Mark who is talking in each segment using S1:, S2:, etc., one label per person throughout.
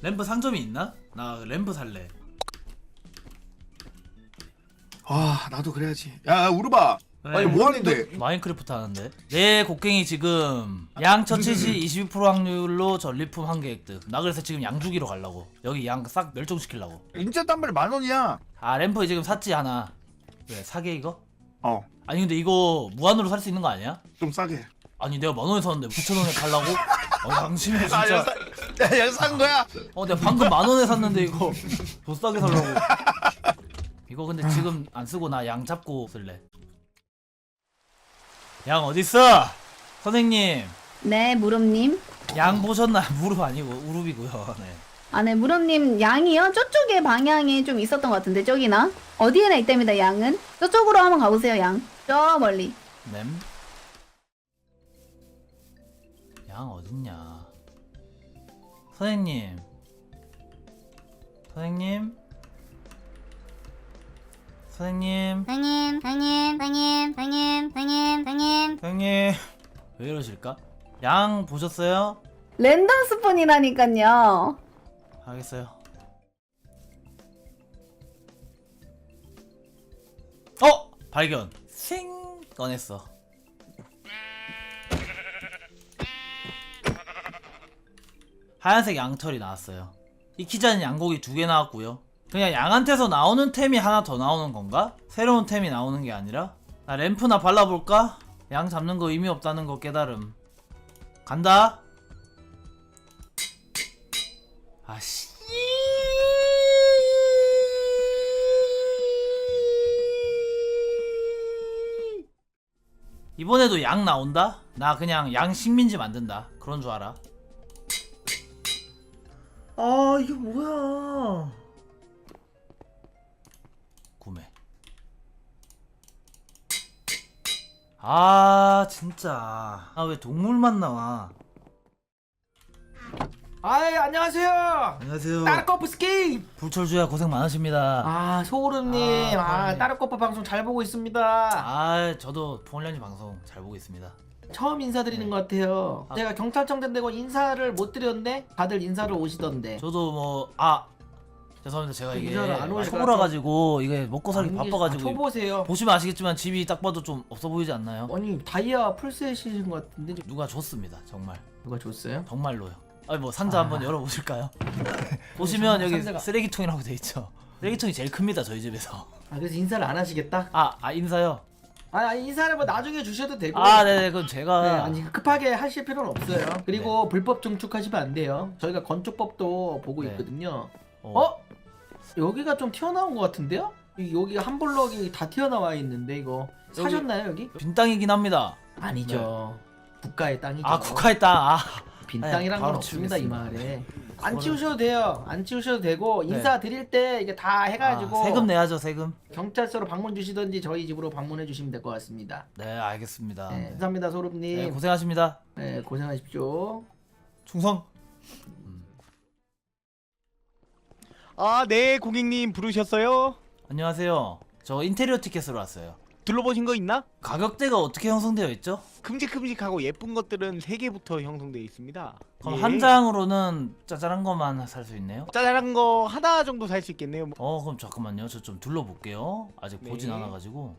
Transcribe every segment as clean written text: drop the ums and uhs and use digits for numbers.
S1: 램프 상점이 있나? 나 램프 살래.
S2: 아 나도 그래야지. 야 우르바. 아니
S1: 네.
S2: 뭐 하는데?
S1: 마인크래프트 하는데. 내 곡괭이 지금 양 처치 시 22% 확률로 전리품 한 개 획득. 나 그래서 지금 양 주기로 가려고. 여기 양 싹 멸종시키려고.
S2: 인제 딴 말이 10,000원이야.
S1: 아 램프 지금 샀지 하나. 왜 사게 이거?
S2: 어.
S1: 아니 근데 이거 무한으로 살 수 있는 거 아니야?
S2: 좀 싸게.
S1: 아니 내가 10,000원에 샀는데 9,000원에 팔라고? 양심해 진짜.
S2: 야 산 거야?
S1: 내가 방금 10,000원에 샀는데 이거 더 싸게 살라고. 이거 근데 지금 안 쓰고 나 양 잡고 쓸래. 양 어딨어? 선생님
S3: 네, 무릎님.
S1: 양 보셨나요? 무릎 아니고 우룹이고요. 네.
S3: 아, 네, 무릎님 양이요? 저쪽에 방향에 좀 있었던 것 같은데, 저기나? 어디에나 있답니다, 양은. 저쪽으로 한번 가보세요, 양. 저 멀리.
S1: 냄. 양 어딨냐? 선생님. 선생님. 선생님. 선생님. 왜 이러실까? 양 보셨어요?
S3: 랜덤 스폰이라니까요.
S1: 알겠어요. 발견. 생 꺼냈어. 하얀색 양털이 나왔어요. 익히자는 양고기 2개 나왔고요. 그냥 양한테서 나오는 템이 하나 더 나오는 건가? 새로운 템이 나오는 게 아니라? 나 램프나 발라볼까? 양 잡는 거 의미 없다는 거 깨달음. 간다. 아씨. 이번에도 양 나온다? 나 그냥 양 식민지 만든다. 그런 줄 알아. 아 이게 뭐야. 구매. 아 진짜. 아 왜 동물만 나와.
S4: 아이 안녕하세요.
S1: 안녕하세요.
S4: 따르코프스키.
S1: 불철주야 고생 많으십니다.
S4: 아 소울음님.
S1: 소울음님.
S4: 따르코프 방송 잘 보고 있습니다.
S1: 아 저도 폴련이 방송 잘 보고 있습니다.
S4: 처음 인사드리는
S1: 네.
S4: 것 같아요.
S1: 아.
S4: 제가 경찰청 된다고 인사를 못 드렸는데 다들 인사를 오시던데.
S1: 저도 뭐 죄송합니다. 제가 이게
S4: 인사를 안 오니까
S1: 초보라 가지고 이게 먹고 살기 바빠가지고
S4: 초보세요.
S1: 보시면 아시겠지만 집이 딱 봐도 좀 없어 보이지 않나요?
S4: 아니 다이아 풀셋이신 것 같은데
S1: 누가 줬습니다. 정말
S4: 누가 줬어요?
S1: 정말로요. 아니 뭐 상자 한번 열어보실까요? 보시면 여기
S4: 상자가-
S1: 쓰레기통이라고 돼 있죠. 쓰레기통이 제일 큽니다 저희 집에서.
S4: 아 그래서 인사를 안 하시겠다?
S1: 인사요.
S4: 아니 인사를 뭐 나중에 주셔도 되고.
S1: 네네 그럼 제가
S4: 네, 아니 급하게 하실 필요는 없어요. 그리고 불법 증축하시면 안 돼요. 저희가 건축법도 보고
S1: 네.
S4: 있거든요.
S1: 어?
S4: 여기가 좀 튀어나온 것 같은데요? 여기가 한 블럭이 다 튀어나와 있는데 이거 사셨나요 여기?
S1: 빈 땅이긴 합니다.
S4: 아니죠. 국가의 땅이죠.
S1: 국가의 땅.
S4: 빈
S1: 네,
S4: 땅이란 건
S1: 바로
S4: 없습니다 이
S1: 치우겠습니다.
S4: 마을에. 안
S1: 그거는-
S4: 치우셔도 돼요. 안 치우셔도 되고
S1: 네.
S4: 인사 드릴 때 이게 다 해가지고
S1: 세금 내야죠 세금.
S4: 경찰서로 방문 주시든지 저희 집으로 방문해 주시면 될 것 같습니다.
S1: 네 알겠습니다.
S4: 네,
S1: 네.
S4: 감사합니다 소름님.
S1: 네, 고생하십니다.
S4: 네, 고생하십시오.
S1: 충성.
S5: 네, 고객님 부르셨어요?
S1: 안녕하세요. 저 인테리어 티켓으로 왔어요.
S5: 둘러보신 거 있나?
S1: 가격대가 어떻게 형성되어 있죠?
S5: 큼직큼직하고 예쁜 것들은 3개부터 형성되어 있습니다.
S1: 그럼
S5: 예.
S1: 한 장으로는 짜잘한 것만 살 수 있네요?
S5: 짜잘한 거 하나 정도 살 수 있겠네요.
S1: 그럼 잠깐만요. 저 좀 둘러볼게요. 아직
S5: 네.
S1: 보진 않아가지고.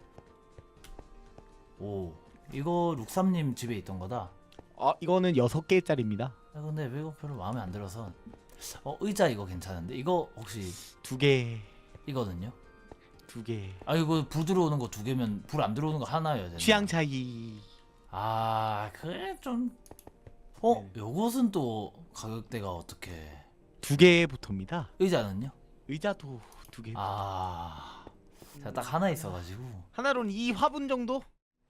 S1: 오, 이거 룩삼님 집에 있던 거다.
S5: 이거는 6개짜리입니다.
S1: 근데 이거 별로 마음에 안 들어서. 의자 이거 괜찮은데? 이거 혹시
S5: 2개,
S1: 이거든요?
S5: 2개.
S1: 이거 불 들어오는 거 2개면 불 안 들어오는 거 하나여야 되나?
S5: 취향 차이.
S1: 그래 좀.
S5: 네.
S1: 요것은 또 가격대가 어떻게?
S5: 2개부터입니다.
S1: 의자는요?
S5: 의자도 2개.
S1: 제가 딱 하나 있어가지고.
S5: 하나로는 2화분 정도?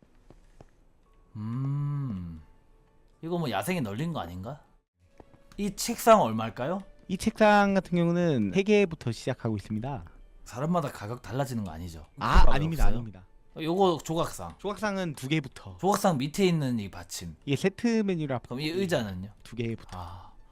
S1: 이거 뭐 야생에 널린 거 아닌가? 이 책상 얼마일까요?
S5: 이 책상 같은 경우는 3개부터 시작하고 있습니다.
S1: 사람마다 가격 달라지는 거 아니죠?
S5: 아닙니다.
S1: 없어요?
S5: 아닙니다.
S1: 요거 조각상.
S5: 조각상은 2개부터.
S1: 조각상 밑에 있는 이 받침.
S5: 이게 세트 메뉴라.
S1: 그럼 이 의자는요?
S5: 2개부터.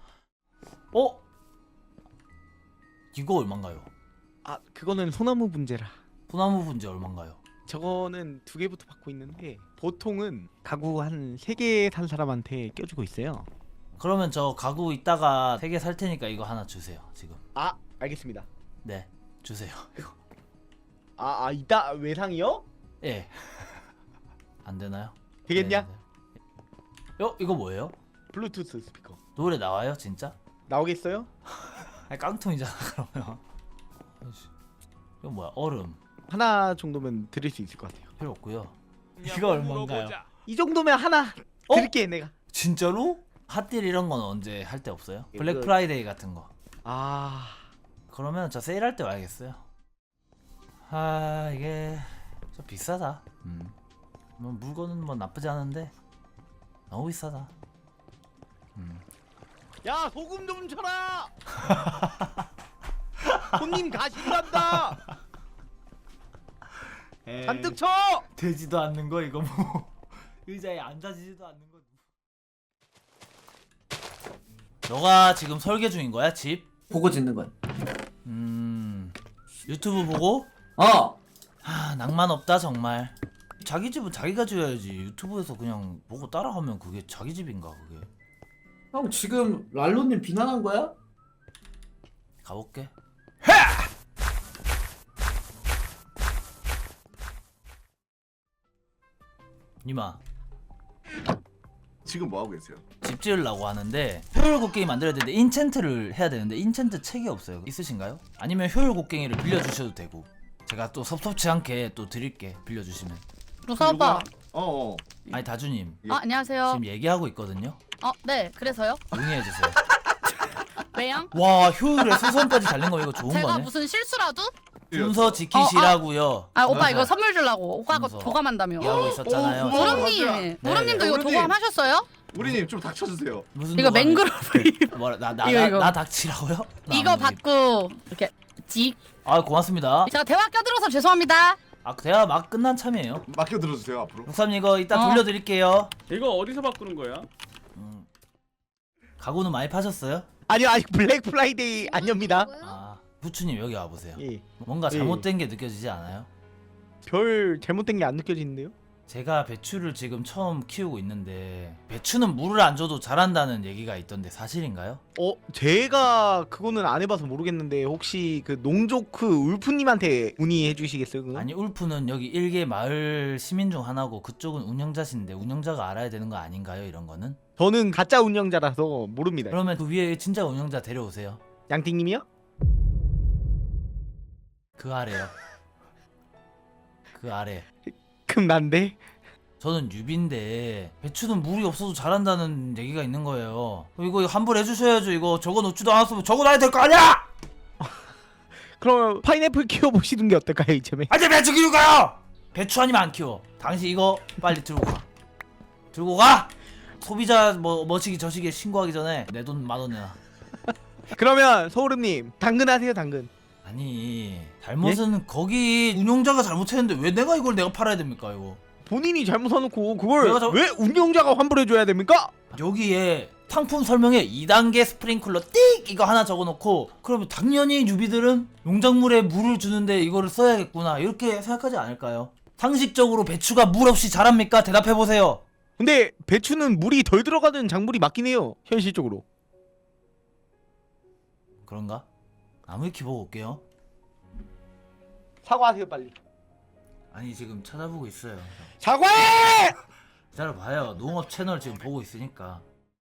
S1: 이거 얼마인가요?
S5: 그거는 소나무 분재라.
S1: 소나무 분재 얼마인가요?
S5: 저거는 2개부터 받고 있는데 보통은 가구 한 3개 산 사람한테 껴주고 있어요.
S1: 그러면 저 가구 이따가 3개 살 테니까 이거 하나 주세요. 지금.
S5: 아 알겠습니다.
S1: 네, 주세요. 이거.
S5: 이따 외상이요?
S1: 예. 안 되나요?
S5: 되겠냐?
S1: 네. 이거 뭐예요?
S5: 블루투스 스피커
S1: 노래 나와요, 진짜?
S5: 나오겠어요?
S1: 아니 깡통이잖아 그러면. 이거 뭐야? 얼음
S5: 하나 정도면 드릴 수 있을 것 같아요.
S1: 필요 없고요. 이거 얼마인가요?
S5: 이 정도면 하나 드릴게 내가.
S1: 진짜로? 핫딜 이런 건 언제 할 때 없어요?
S5: 이거-
S1: 블랙 프라이데이 같은 거.
S5: 아
S1: 그러면 저 세일할 때 와야겠어요. 아 이게 좀 비싸다. 뭐 물건은 뭐 나쁘지 않은데 너무 비싸다.
S5: 야 소금 좀 쳐라. 손님 가신단다. 잔뜩 쳐.
S1: 되지도 않는 거 이거 뭐 의자에 앉아지지도 않는 거. 너가 지금 설계 중인 거야 집?
S4: 보고 짓는 거야.
S1: 유튜브 보고? 낭만 없다 정말. 자기 집은 자기가 지어야지. 유튜브에서 그냥 보고 따라하면 그게 자기 집인가 그게.
S4: 형 지금 랄로님 비난한 거야?
S1: 가볼게. 니마
S2: 지금 뭐 하고 계세요?
S1: 집 지으려고 하는데 효율 곡괭이 만들어야 되는데 인챈트를 해야 되는데 인챈트 책이 없어요. 있으신가요? 아니면 효율 곡괭이를 빌려주셔도 되고 제가 또 섭섭치 않게 또 드릴게 빌려주시면.
S6: 루사 오빠.
S1: 아니 다주님
S6: 안녕하세요.
S1: 지금 얘기하고 있거든요.
S6: 네, 그래서요?
S1: 응해주세요.
S6: 왜요?
S1: 와 효율에 수선까지 달린 거 이거 좋은
S6: 제가
S1: 거네.
S6: 무슨 실수라도?
S1: 순서 지키시라고요.
S6: 오빠 이거 선물 주려고. 오빠가
S1: 순서.
S6: 도감한다며.
S1: 얘기하고 있었잖아요.
S2: 고마워.
S6: 무릎님,
S1: 네.
S6: 무릎님도 이거
S2: 무릎님.
S6: 도감하셨어요?
S2: 우리님 좀 닥쳐주세요.
S1: 무슨
S6: 이거
S1: 도감이-
S6: 맹그로브
S1: 뭐라
S6: 이거.
S1: 나 닥치라고요? 나
S6: 이거
S1: 안
S6: 받고 이렇게 직.
S1: 아 고맙습니다.
S6: 제가 대화 껴들어서 죄송합니다.
S1: 대화 막 끝난 참이에요.
S2: 맡겨 들어주세요 앞으로.
S1: 육삼님 이거 이따
S6: 어.
S1: 돌려드릴게요.
S7: 이거 어디서 바꾸는 거야?
S1: 가구는 많이 파셨어요?
S5: 아니요 아직 블랙 프라이데이 안 엽니다.
S1: 부추님 여기 와보세요.
S5: 예.
S1: 뭔가 잘못된 게 느껴지지 않아요?
S5: 별 잘못된 게 안 느껴지는데요?
S1: 제가 배추를 지금 처음 키우고 있는데 배추는 물을 안 줘도 자란다는 얘기가 있던데 사실인가요?
S5: 제가 그거는 안 해봐서 모르겠는데 혹시 그 농조크 울프님한테 문의해 주시겠어요? 그거?
S1: 아니 울프는 여기 일개 마을 시민 중 하나고 그쪽은 운영자신데 운영자가 알아야 되는 거 아닌가요? 이런 거는?
S5: 저는 가짜 운영자라서 모릅니다.
S1: 그러면 그 위에 진짜 운영자 데려오세요.
S5: 양띵님이요?
S1: 그 아래요. 그 아래.
S5: 그럼 난데?
S1: 저는 유비인데 배추는 물이 없어도 자란다는 얘기가 있는 거예요. 이거 환불해 주셔야죠. 이거 적어놓지도 않았으면 적어놔야 될 거 아니야!
S5: 그럼 파인애플 키워보시는 게 어떨까요 이참에?
S1: 아니 배추 키울까요? 배추 아니면 안 키워. 당신 이거 빨리 들고 가. 들고 가! 소비자 뭐시기 저시기에 신고하기 전에 내 돈 10,000원 내놔.
S5: 그러면 소울음님 당근 하세요 당근.
S1: 아니 잘못은 거기 운영자가 잘못했는데 왜 내가 이걸 내가 팔아야 됩니까 이거?
S5: 본인이 잘못 사놓고 그걸
S1: 내가
S5: 왜 운영자가 환불해줘야 됩니까?
S1: 여기에 상품 설명에 2단계 스프링클러 띡 이거 하나 적어놓고 그러면 당연히 유비들은 농작물에 물을 주는데 이거를 써야겠구나 이렇게 생각하지 않을까요? 상식적으로 배추가 물 없이 자랍니까? 대답해보세요.
S5: 근데 배추는 물이 덜 들어가는 작물이 맞긴 해요 현실적으로.
S1: 그런가? 나무위키 보고 올게요.
S5: 사과하세요 빨리.
S1: 아니 지금 찾아보고 있어요.
S5: 사과해!
S1: 기다려봐요. 농업 채널 지금 보고 있으니까.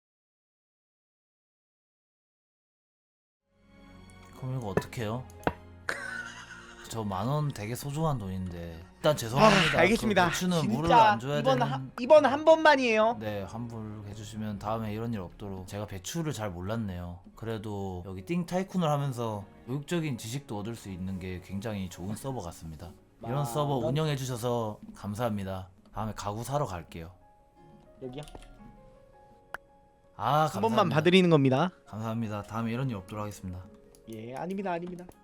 S1: 그럼 이거 어떡해요? 저 10,000원 되게 소중한 돈인데 일단 죄송합니다.
S5: 알겠습니다.
S1: 그 배추는 물을
S5: 진짜
S1: 안 줘야
S5: 이번
S1: 되는...
S5: 이번 한 번만이에요.
S1: 네 환불해주시면 다음에 이런 일 없도록. 제가 배추를 잘 몰랐네요. 그래도 여기 띵 타이쿤을 하면서 교육적인 지식도 얻을 수 있는 게 굉장히 좋은 서버 같습니다. 이런 서버 운영해주셔서 감사합니다. 다음에 가구 사러 갈게요.
S5: 여기요?
S1: 아
S5: 한 번만
S1: 감사합니다.
S5: 봐드리는 겁니다.
S1: 감사합니다. 다음에 이런 일 없도록 하겠습니다.
S5: 예 아닙니다 아닙니다.